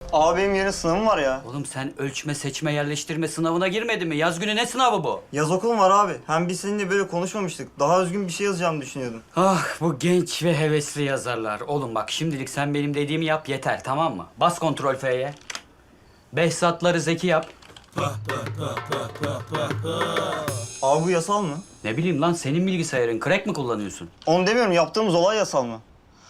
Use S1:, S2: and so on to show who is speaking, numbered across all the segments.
S1: Abi benim yarın sınavım var ya.
S2: Oğlum sen ölçme, seçme, yerleştirme sınavına girmedin mi? Yaz günü ne sınavı bu?
S1: Yaz okulum var abi. Hem biz seninle böyle konuşmamıştık. Daha özgün bir şey yazacağımı düşünüyordum.
S2: Ah bu genç ve hevesli yazarlar. Oğlum bak şimdilik sen benim dediğimi yap yeter, tamam mı? Bas kontrol F'ye. Behzatları Zeki yap.
S1: Abi bu yasal mı?
S2: Ne bileyim lan, senin bilgisayarın. Crack mi kullanıyorsun?
S1: Onu demiyorum, yaptığımız olay yasal mı?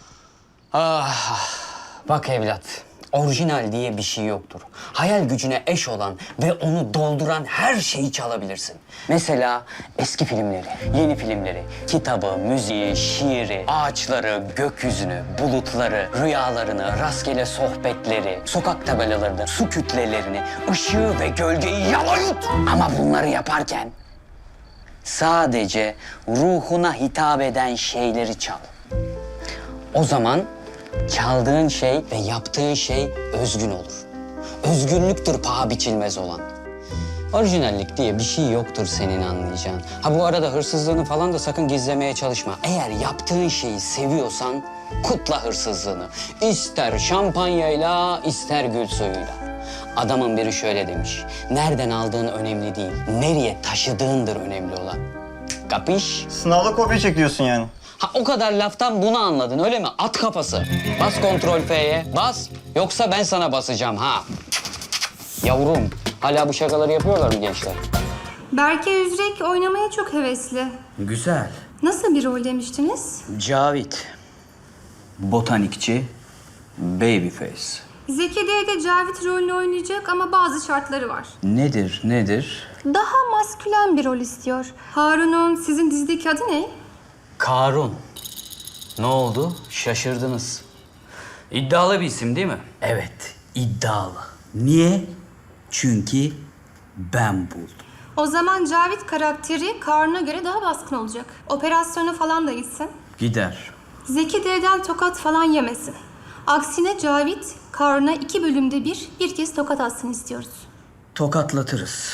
S3: Ah, bak evlat, orijinal diye bir şey yoktur. Hayal gücüne eş olan ve onu dolduran her şeyi çalabilirsin. Mesela eski filmleri, yeni filmleri, kitabı, müziği, şiiri, ağaçları, gökyüzünü, bulutları, rüyalarını, rastgele sohbetleri, sokak tabelalarını, su kütlelerini, ışığı ve gölgeyi yalayut. Ama bunları yaparken sadece ruhuna hitap eden şeyleri çal. O zaman çaldığın şey ve yaptığın şey özgün olur. Özgünlüktür paha biçilmez olan. Orijinallik diye bir şey yoktur senin anlayacağın. Ha bu arada hırsızlığını falan da sakın gizlemeye çalışma. Eğer yaptığın şeyi seviyorsan kutla hırsızlığını. İster şampanyayla, ister gül suyuyla. Adamın biri şöyle demiş. Nereden aldığın önemli değil, nereye taşıdığındır önemli olan. Kapış?
S1: Sınavda kopya çekiyorsun yani.
S3: Ha o kadar laftan bunu anladın öyle mi? At kafası. Bas kontrol F'ye. Bas. Yoksa ben sana basacağım ha. Yavrum. Hala bu şakaları yapıyorlar mı gençler?
S4: Berke Üzrek oynamaya çok hevesli.
S2: Güzel.
S4: Nasıl bir rol demiştiniz?
S2: Cavit. Botanikçi. Babyface.
S4: Zeki de Cavit rolünü oynayacak ama bazı şartları var.
S2: Nedir?
S4: Daha maskülen bir rol istiyor. Harun'un sizin dizideki adı ne?
S2: Karun. Ne oldu? Şaşırdınız. İddialı bir isim değil mi? Evet, iddialı. Niye? Çünkü ben buldum.
S4: O zaman Cavit karakteri Karun'a göre daha baskın olacak. Operasyona falan da gitsin.
S2: Gider.
S4: Zeki D'den tokat falan yemesin. Aksine Cavit, Karun'a 2 bölümde bir kez tokat atsın istiyoruz.
S2: Tokatlatırız.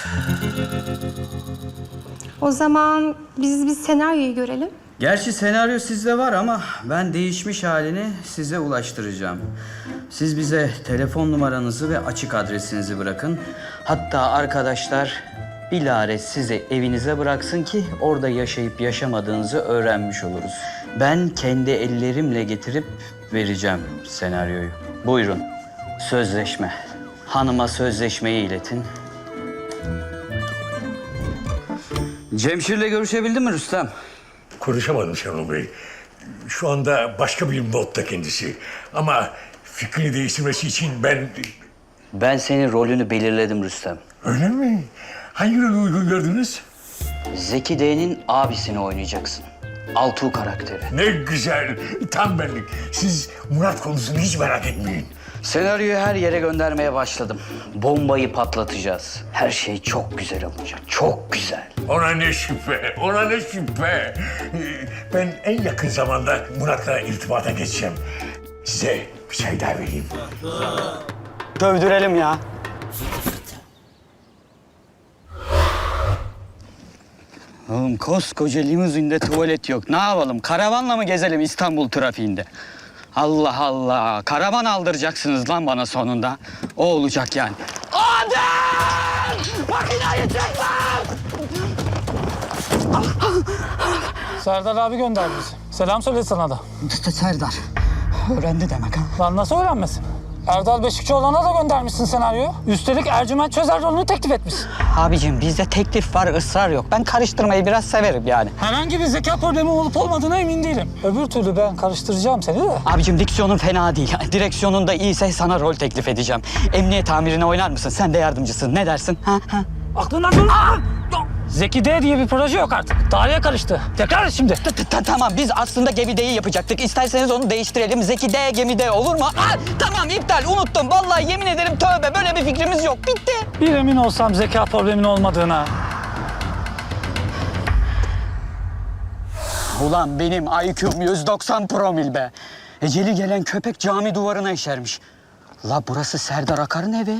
S4: O zaman biz bir senaryoyu görelim.
S2: Gerçi senaryo sizde var ama ben değişmiş halini size ulaştıracağım. Siz bize telefon numaranızı ve açık adresinizi bırakın. Hatta arkadaşlar bilare sizi evinize bıraksın ki orada yaşayıp yaşamadığınızı öğrenmiş oluruz. Ben kendi ellerimle getirip vereceğim senaryoyu. Buyurun. Sözleşme. Hanıma sözleşmeyi iletin. Cemşir'le görüşebildin mi Rüstem?
S5: Konuşamadım Şenol Bey. Şu anda başka bir modda kendisi. Ama fikrini değiştirmesi için
S2: Ben senin rolünü belirledim Rüstem.
S5: Öyle mi? Hangi rolü uygun gördünüz?
S2: Zeki D'nin abisini oynayacaksın. Altuğ karakteri.
S5: Ne güzel. Tam benlik. Siz Murat konusunu hiç merak etmeyin.
S2: Senaryoyu her yere göndermeye başladım. Bombayı patlatacağız. Her şey çok güzel olacak. Çok güzel.
S5: Ona ne şüphe, ona ne şüphe. Ben en yakın zamanda Murat'la irtibata geçeceğim. Size bir çay daha vereyim.
S3: Dövdürelim ya. Oğlum koskoca limuzinde tuvalet yok. Ne yapalım? Karavanla mı gezelim İstanbul trafiğinde? Allah Allah. Karavan aldıracaksınız lan bana sonunda. O olacak yani. Adem! Makinayı çek lan!
S6: Serdar abi gönderdi bizi. Selam söyledi sana da.
S3: Serdar. Öğrendi demek ha.
S6: Lan nasıl öğrenmesin? Erdal Beşikçioğlu'na da göndermişsin senaryoyu. Üstelik Ercüment Çözer rolünü teklif etmişsin.
S3: Abicim bizde teklif var, ısrar yok. Ben karıştırmayı biraz severim yani.
S6: Herhangi bir zeka problemi olup olmadığına emin değilim. Öbür türlü ben karıştıracağım seni de.
S3: Abicim diksiyonun fena değil. Direksiyonun da iyiyse sana rol teklif edeceğim. Emniyet amirine oynar mısın? Sen de yardımcısın. Ne dersin? Ha?
S6: Aklından dur. Zeki D diye bir proje yok artık. Tarihe karıştı. Tekrar et şimdi.
S3: Tamam biz aslında Gemide'yi yapacaktık. İsterseniz onu değiştirelim. Zeki D, Gemide olur mu? Tamam iptal unuttum. Vallahi yemin ederim tövbe böyle bir fikrimiz yok. Bitti.
S6: Bir emin olsam zeka problemin olmadığına.
S3: Ulan benim IQ'm 190 promil be. Eceli gelen köpek cami duvarına işermiş. La burası Serdar Akar'ın evi.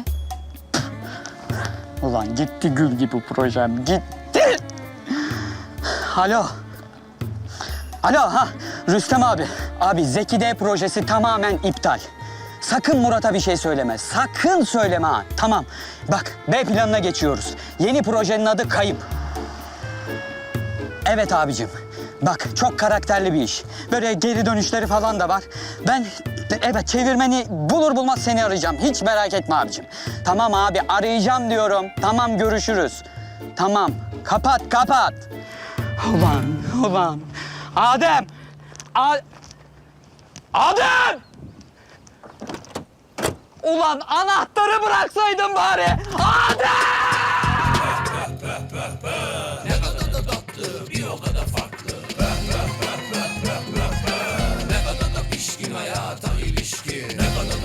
S3: Ulan gitti gül gibi projem, gitti. Alo. Alo ha Rüstem abi. Abi Zeki D projesi tamamen iptal. Sakın Murat'a bir şey söyleme. Sakın söyleme ha. Tamam. Bak B planına geçiyoruz. Yeni projenin adı Kayıp. Evet abicim. Bak çok karakterli bir iş. Böyle geri dönüşleri falan da var. Ben evet çevirmeni bulur bulmaz seni arayacağım. Hiç merak etme abicim. Tamam abi arayacağım diyorum. Tamam görüşürüz. Tamam. Kapat. Ulan. Adem! Adem! Ulan anahtarı bıraksaydın bari. Adem!